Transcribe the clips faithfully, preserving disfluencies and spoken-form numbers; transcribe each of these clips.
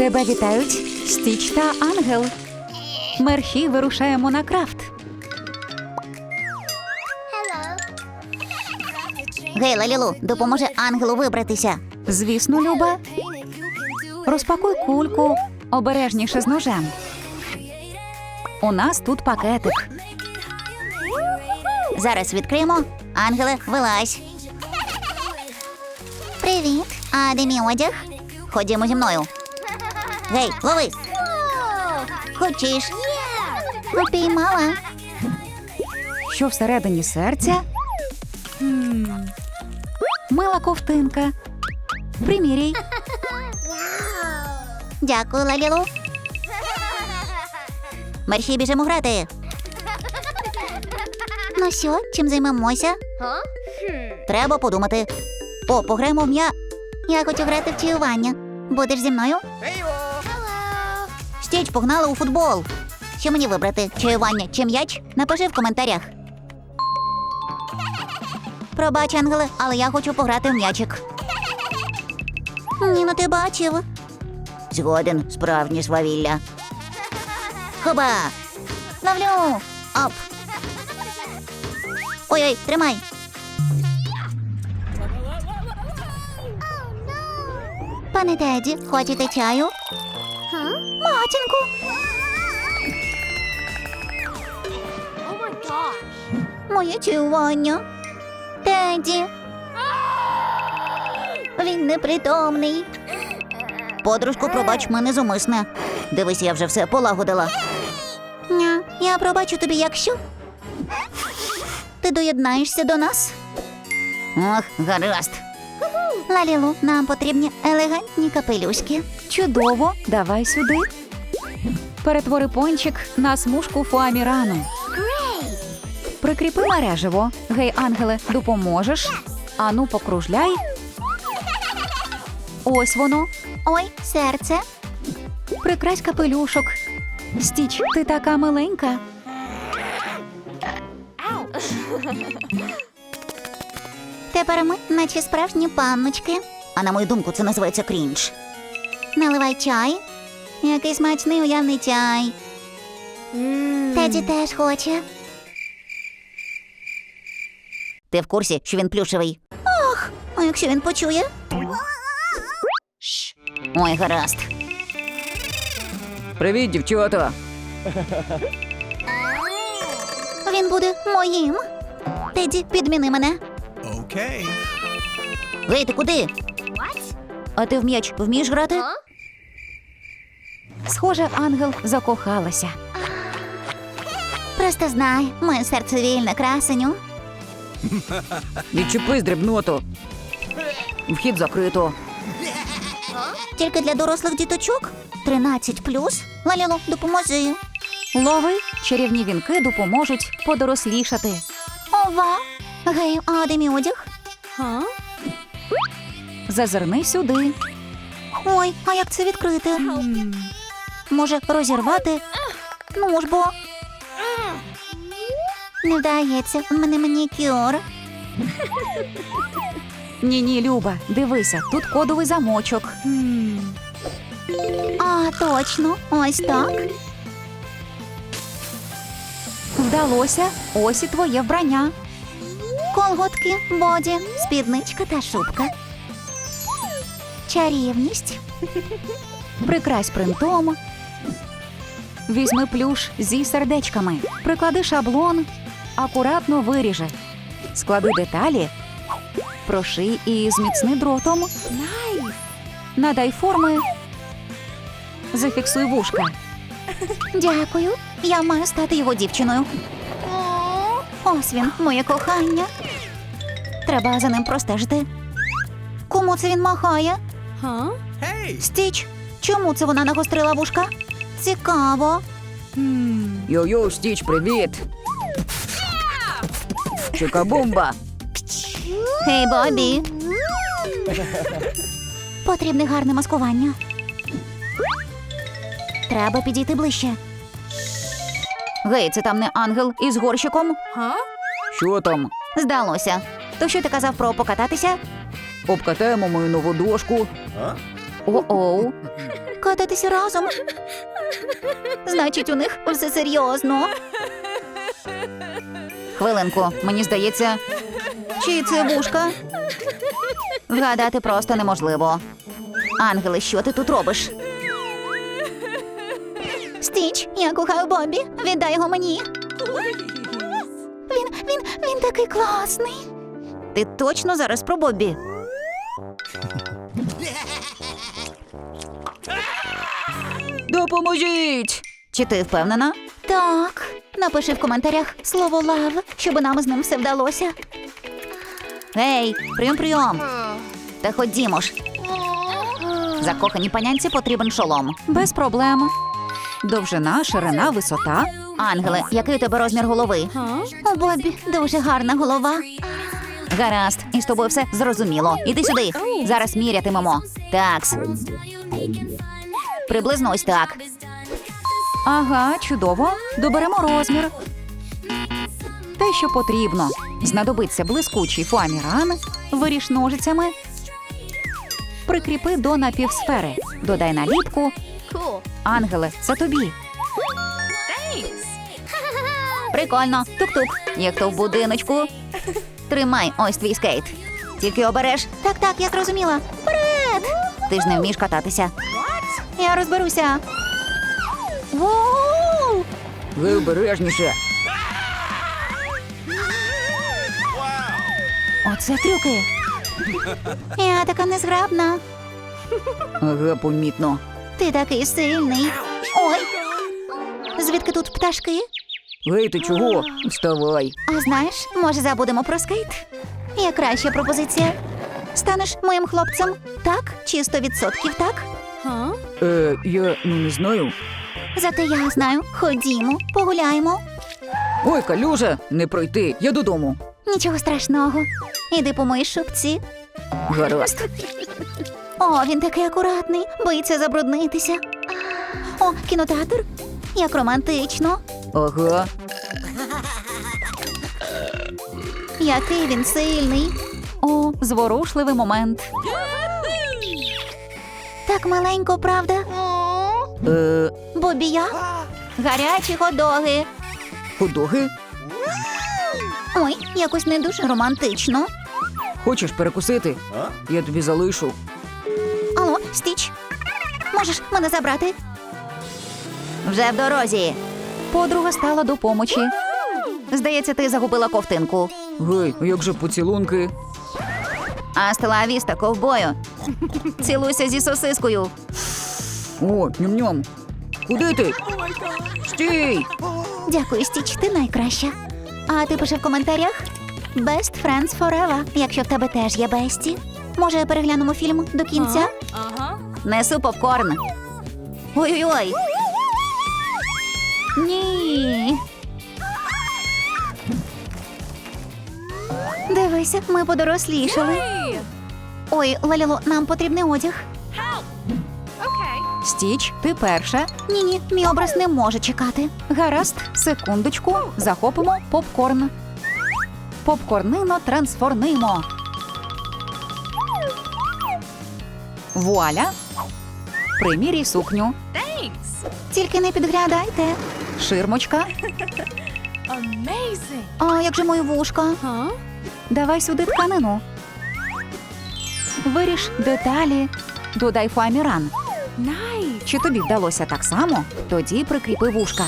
Тебе вітають Стіч та Ангел. Мерхі вирушаємо на крафт. Гей, Лалілу, допоможе Ангелу вибратися. Звісно, Люба. Розпакуй кульку. Обережніше з ножем. У нас тут пакетик. Зараз відкриємо. Ангеле, вилазь. Привіт. А де мій одяг? Ходімо зі мною. Гей, лови. Хочеш? Упіймала. Що всередині серця? М. Мила ковтинка. Приміряй. Дякую, Лалілу. Мерші, біжимо грати. Ну що, чим займемося? Треба подумати. О, пограємо в м'я. Я хочу грати в чаювання. Будеш зі мною? Стіч, погнали у футбол. Що мені вибрати? Чаювання чи м'яч? Напиши в коментарях. Пробач, Ангеле, але я хочу пограти в м'ячик. Ні, ну ти бачив. Згоден, справжнє свавілля. Хоба! Ловлю! Оп! Ой-ой, тримай! Пане Теді, хочете чаю? Матінку! Моє чаювання. Теді! Він непритомний. Подружку, пробач, мене зумисне. Дивись, я вже все полагодила. Ня, я пробачу тобі, якщо ти доєднаєшся до нас. Ох, гаразд. Лалілу, нам потрібні елегантні капелюшки. Чудово, давай сюди. Перетвори пончик на смужку фуамірану. Прикріпи мереживо. Гей, Ангеле, допоможеш? Ану, покружляй. Ось воно. Ой, серце. Прикрась капелюшок. Стіч, ти така миленька. Тепер ми, наче справжні панночки. А на мою думку, це називається крінж. Наливай чай. Який смачний уявний чай. Mm. Теді теж хоче. Ти в курсі, що він плюшевий? Ох, а якщо він почує? Шш. Ой, гаразд. Привіт, дівчата. Він буде моїм. Теді, підміни мене. Окей. Гей, ти куди? А ти в м'яч вмієш грати? Схоже, Ангел закохалася. Просто знай, моє серце вільне, красеню. Відчепись, дрібноту. Вхід закрито. Тільки для дорослих діточок? тринадцять плюс? Лалілу, допоможи. Лови, чарівні вінки допоможуть подорослішати. Ова! Гей, а де мій одяг? Зазирни сюди. Ой, а як це відкрити? Може, розірвати? Ну ж бо. Не вдається, в мене манікюр. Ні-ні, Люба, дивися, тут кодовий замочок. А, точно, ось так. Вдалося, ось і твоє вбрання. Колготки, боді, спідничка та шубка. Чарівність. Прикрась принтом. Візьми плюш зі сердечками. Приклади шаблон. Акуратно виріжи. Склади деталі. Проший і зміцни дротом. Надай форми. Зафіксуй вушка. Дякую. Я маю стати його дівчиною. Ось він, моє кохання. Треба за ним простежити. Кому це він махає? Hey. Стіч, чому це вона нагострила вушка? Цікаво. Йо-йо, Стіч, привіт. Чикабумба. Гей, Бобі. Потрібне гарне маскування. Треба підійти ближче. Гей, це там не Ангел із горщиком? Що там? Здалося. То що ти казав про покататися? Обкатаємо мою нову дошку. О-оу. кататися разом. Значить, у них все серйозно. Хвилинку, мені здається, чи це вушка? Вгадати просто неможливо. Ангеле, що ти тут робиш? Стіч, я кохаю Бобі. Віддай його мені. Він, він, він такий класний. Ти точно зараз про Бобі? Допоможіть! Чи ти впевнена? Так. Напиши в коментарях слово лав, щоб нам з ним все вдалося. Гей, прийом, прийом. Та ходімо ж. Закоханій панянці потрібен шолом. Без проблем. Довжина, ширина, висота. Ангеле, який у тебе розмір голови? У Бобі дуже гарна голова. Гаразд, і з тобою все зрозуміло. Іди сюди. Зараз мірятимемо. Такс. Приблизно ось так. Ага, чудово. Доберемо розмір. Те, що потрібно. Знадобиться блискучий фоаміран. Виріж ножицями. Прикріпи до напівсфери. Додай наліпку. Ангеле, це тобі. Прикольно. Тук-тук. Є хто в будиночку? Тримай, ось твій скейт. Тільки обереш. Так, так, я зрозуміла. Вперед! Ти ж не вмієш кататися. Я розберуся. Воу! Ви обережніше. Оце трюки. Я така незграбна. Ага, помітно. Ти такий сильний. Ой. Звідки тут пташки? Гей, ти чого? Вставай. А знаєш, може забудемо про скейт? Є краща пропозиція. Станеш моїм хлопцем? Так? Чи сто відсотків так? Е, я ну не знаю. Зате я знаю. Ходімо, погуляємо. Ой, калюжа, не пройти, я додому. Нічого страшного. Іди по моїй шубці. Гаразд. О, він такий акуратний, боїться забруднитися. О, кінотеатр. Як романтично. Ага. Який він сильний. О, зворушливий момент. Так маленько, правда? Е, Бобі я? Гарячі ходоги. ходоги? Ой, якось не дуже романтично. Хочеш перекусити? Я тобі залишу. Алло, Стіч, можеш мене забрати? Вже в дорозі. Подруга стала до помочі. Здається, ти загубила ковтинку. Гей, а як же поцілунки? Астела авіста, ковбою. Цілуйся зі сосискою. О, ням-ням. Куди ти? Стій! Дякую, Стіч, ти найкраща. А ти пиши в коментарях Best Friends Forever, якщо в тебе теж є бесті. Може, переглянемо фільм до кінця? Несу попкорн. Ой-ой-ой. Ні. Дивися, ми подорослішали. Ой, Лаліло, нам потрібний одяг. Стіч, ти перша. Ні-ні, мій образ не може чекати. Гаразд, секундочку. Захопимо попкорн. Попкорнино трансформуємо. Вуаля. Приміряй сукню. Тільки не підглядайте. Ширмочка. А як же мої вушка? Давай сюди тканину. Виріж деталі. Додай фоаміран. Чи тобі вдалося так само? Тоді прикріпи вушка.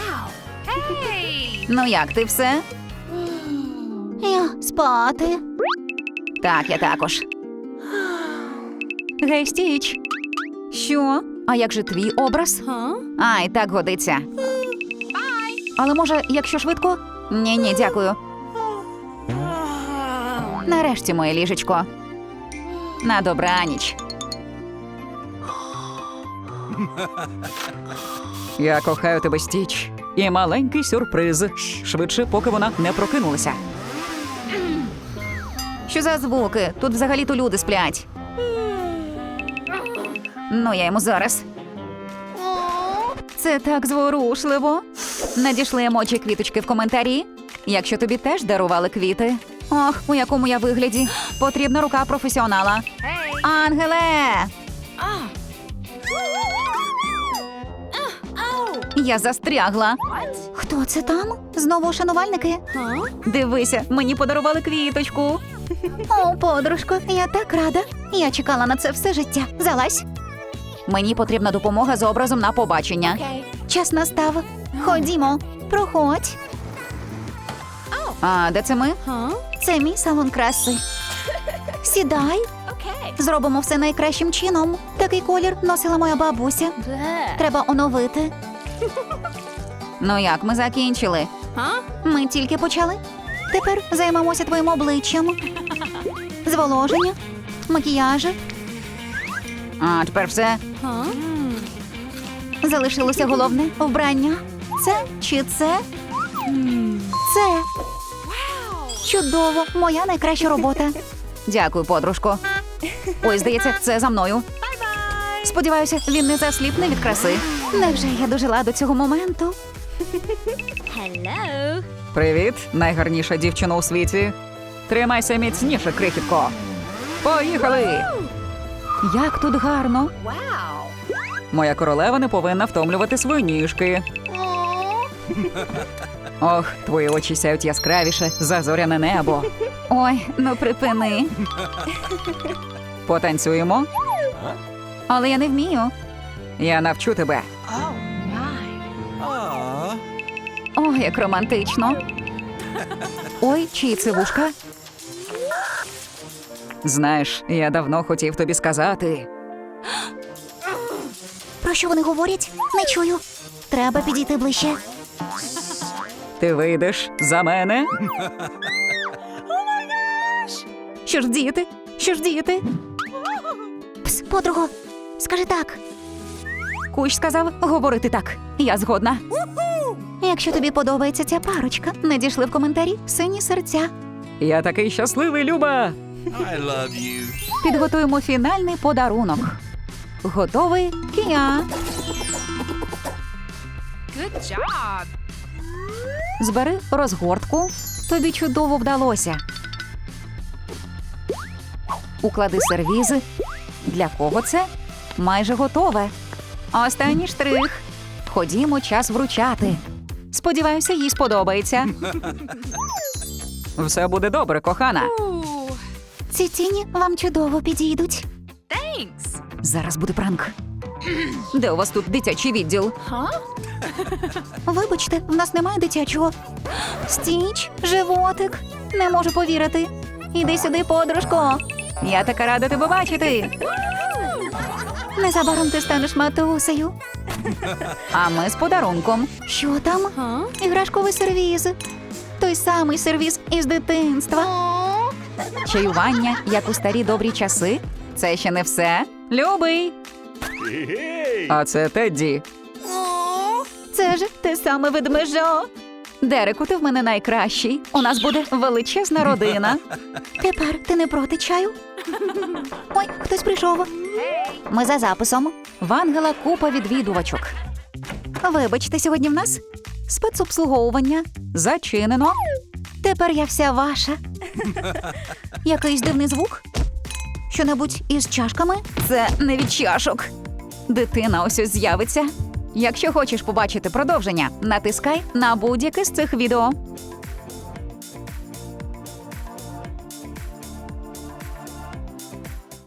Ну як ти все? Я спати. Так, я також. Гей, Стіч. Що? А як же твій образ? Ай, так годиться. Але може, якщо швидко? Ні-ні, дякую. Нарешті, моє ліжечко. На добраніч. Я кохаю тебе, Стіч. І маленький сюрприз. Швидше, поки вона не прокинулася. Що за звуки? Тут взагалі-то люди сплять. Ну, я йому зараз. Це так зворушливо. Надійшли емоджі квіточки в коментарі. Якщо тобі теж дарували квіти. Ох, у якому я вигляді. Потрібна рука професіонала. Ангеле! Я застрягла. Хто це там? Знову шанувальники? Дивися, мені подарували квіточку. О, подружко, я так рада. Я чекала на це все життя. Залазь. Мені потрібна допомога з образом на побачення. Час настав. Ходімо. Проходь. А де це ми? Це мій салон краси. Сідай. Зробимо все найкращим чином. Такий колір носила моя бабуся. Треба оновити. Ну як, ми закінчили? Ми тільки почали. Тепер займемося твоїм обличчям. Зволоження, макіяжу. А тепер все. Залишилося головне вбрання. Це чи це? Це. Чудово, моя найкраща робота. Дякую, подружко. Ой, здається, це за мною. Сподіваюся, він не засліпне від краси. Невже я дожила до цього моменту? Привіт, найгарніша дівчина у світі. Тримайся міцніше, крихітко. Поїхали! Як тут гарно. Моя королева не повинна втомлювати свої ніжки. Ох, твої очі сяють яскравіше за зоряне небо. Ой, ну припини. Потанцюємо? Але я не вмію. Я навчу тебе. Aw. О, як романтично. Ой, чиї це вушка? Знаєш, я давно хотів тобі сказати. Про що вони говорять? Не чую. Треба підійти ближче. Ти вийдеш за мене? Що ж діяти? Що ж діяти? Пс, подруго, скажи так. Кущ сказав говорити так. Я згодна. Якщо тобі подобається ця парочка, надійшли в коментарі сині серця. Я такий щасливий, Люба. I love you. Підготуємо фінальний подарунок. Готовий, Кія? Good job. Збери розгортку. Тобі чудово вдалося. Уклади сервізи. Для кого це? Майже готове. Останній штрих. Ходімо, час вручати. Сподіваюся, їй сподобається. Все буде добре, кохана. Ooh, Ці тіні вам чудово підійдуть. thanks. Зараз буде пранк. Де у вас тут дитячий відділ? Вибачте, в нас немає дитячого. Стіч, животик. Не можу повірити. Іди сюди, подружко. Я така рада тебе бачити. Незабаром ти станеш матусею. А ми з подарунком. Що там? Huh? Іграшковий сервіз. Той самий сервіз із дитинства. Чаювання, як у старі добрі часи. Це ще не все. Любий. А це Тедді. Це ж те саме ведмежо. Дереку, ти в мене найкращий. У нас буде величезна родина. Тепер ти не проти чаю? Ой, хтось прийшов. Ми за записом. В Ангела купа відвідувачок. Вибачте, сьогодні в нас Спецобслуговування. Зачинено. тепер я вся ваша. Якийсь дивний звук? Що-небудь із чашками? Це не від чашок. Дитина ось ось з'явиться. Якщо хочеш побачити продовження, натискай на будь-яке з цих відео.